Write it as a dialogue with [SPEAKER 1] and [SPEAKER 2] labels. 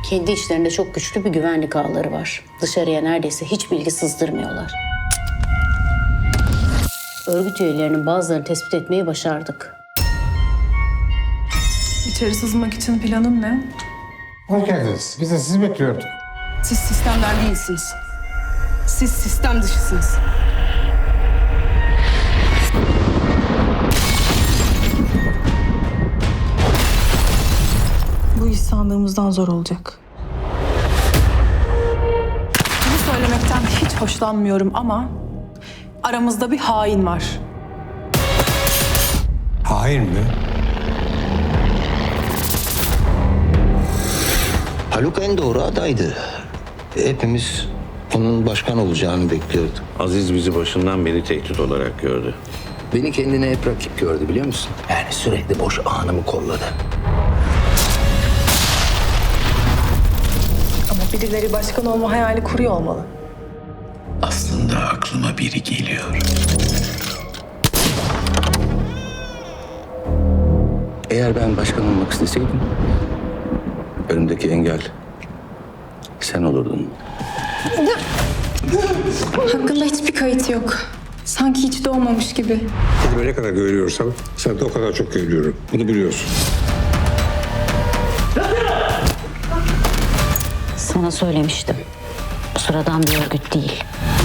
[SPEAKER 1] Kendi içlerinde çok güçlü bir güvenlik ağları var. Dışarıya neredeyse hiç bilgi sızdırmıyorlar. Örgüt üyelerinin bazılarını tespit etmeyi başardık.
[SPEAKER 2] İçeri sızmak için planın ne?
[SPEAKER 3] Hoş geldiniz. Biz de sizi bekliyorduk.
[SPEAKER 2] Siz sistemden değilsiniz. Siz sistem dışısınız. Bu iş sandığımızdan zor olacak. Bunu söylemekten hiç hoşlanmıyorum ama aramızda bir hain var.
[SPEAKER 3] Hain mi?
[SPEAKER 4] Haluk en doğru adaydı. Hepimiz onun başkan olacağını bekliyorduk.
[SPEAKER 5] Aziz bizi başından beri tehdit olarak gördü.
[SPEAKER 4] Beni kendine hep rakip gördü biliyor musun? Yani sürekli boş anımı kolladı.
[SPEAKER 2] Ama birileri başkan olma hayali kuruyor olmalı.
[SPEAKER 4] Aslında aklıma biri geliyor. Eğer ben başkan olmak isteseydim, önümdeki engel sen olurdun.
[SPEAKER 6] Hakkında hiçbir kayıt yok. Sanki hiç doğmamış gibi.
[SPEAKER 3] Kendime ne kadar güveniyorsam sen de o kadar çok güveniyorum. Bunu biliyorsun.
[SPEAKER 1] Sana söylemiştim. Bu sıradan bir örgüt değil.